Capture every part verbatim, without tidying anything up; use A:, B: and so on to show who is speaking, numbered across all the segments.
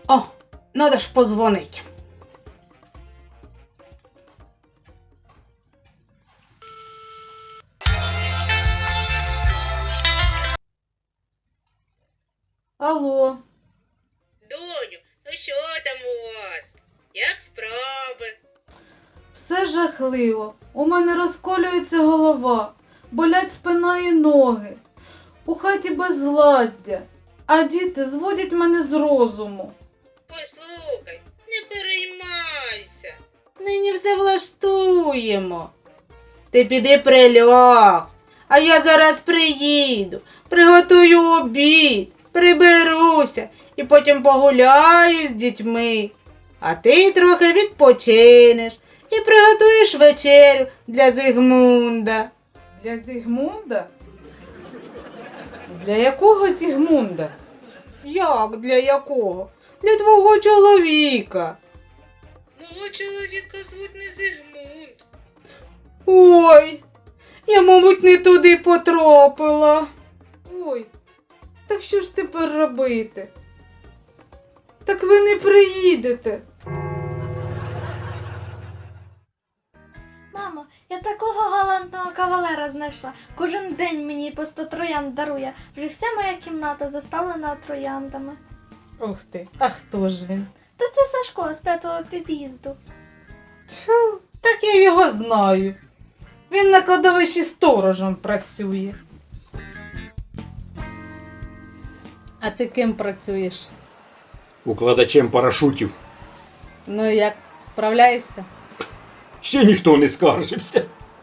A: О, надо ж позвонить. Алло.
B: Доню, ну що там у вас? Як справи?
A: Все жахливо. У мене розколюється голова, болять спина і ноги. У хаті безладдя, а діти зводять мене з розуму.
B: Послухай, не переймайся.
A: Нині все влаштуємо. Ти піди приляг, а я зараз приїду, приготую обід, приберуся і потім погуляю з дітьми. А ти трохи відпочинеш і приготуєш вечерю для Зигмунда. Для Зигмунда? Для якого Зигмунда? Як для якого? Для твого чоловіка.
B: Мого чоловіка звуть не Зигмунд.
A: Ой, я, мабуть, не туди потрапила. Ой, так що ж тепер робити? Так ви не приїдете.
C: Мамо, я такого галантного кавалера знайшла. Кожен день мені по сто троянд дарує. Вже вся моя кімната заставлена трояндами.
A: Ух ти, а хто ж він?
C: Та це Сашко з п'ятого під'їзду.
A: Тьфу, так я його знаю. Він на кладовищі сторожем працює. А ти ким працюєш?
D: Укладачем парашутів.
A: Ну як, справляєшся?
D: Ще ніхто не скаржився.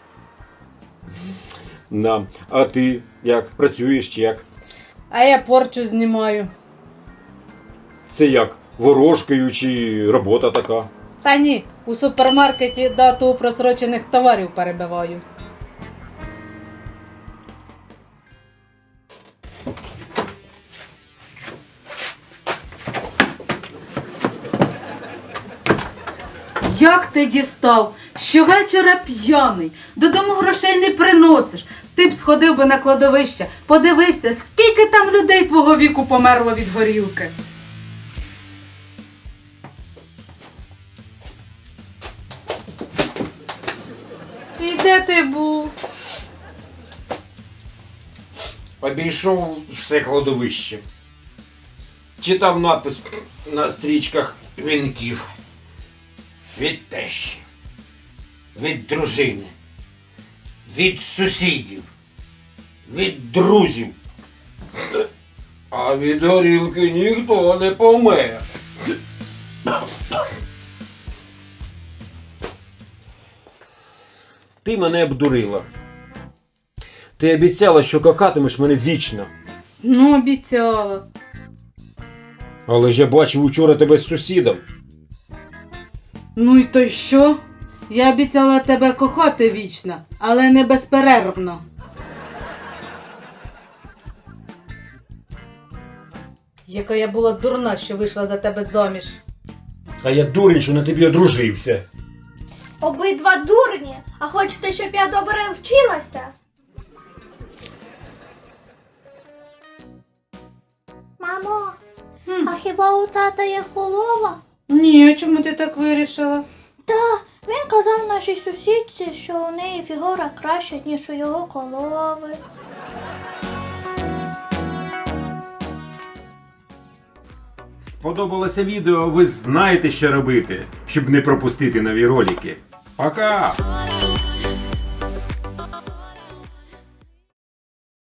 D: Да. А ти як? Працюєш чи як?
A: А я порчу знімаю.
D: Це як? Ворожкою чи робота така?
A: Та ні, у супермаркеті дату просрочених товарів перебиваю. Як ти дістав? Щовечора п'яний, додому грошей не приносиш. Ти б сходив би на кладовище, подивився, скільки там людей твого віку померло від горілки. І де ти був?
D: Обійшов все кладовище. Читав надпис на стрічках вінків. Від тещі, від дружини, від сусідів, від друзів. А від горілки ніхто не помер. Ти мене обдурила. Ти обіцяла, що кохатимеш мене вічно.
A: Ну, обіцяла.
D: Але ж я бачив учора тебе з сусідом.
A: Ну й то й що? Я обіцяла тебе кохати вічно, але не безперервно. Яка я була дурна, що вийшла за тебе заміж.
D: А я дурень, що на тобі одружився.
C: Обидва дурні, а хочете, щоб я добре вчилася? Мамо,
A: Хм.
C: а хіба у тата є корова?
A: Ні, чому ти так вирішила?
C: Та, він казав нашій сусідці, що у неї фігура краща, ніж у його корови.
D: Сподобалося відео, ви знаєте, що робити, щоб не пропустити нові ролики. Пока!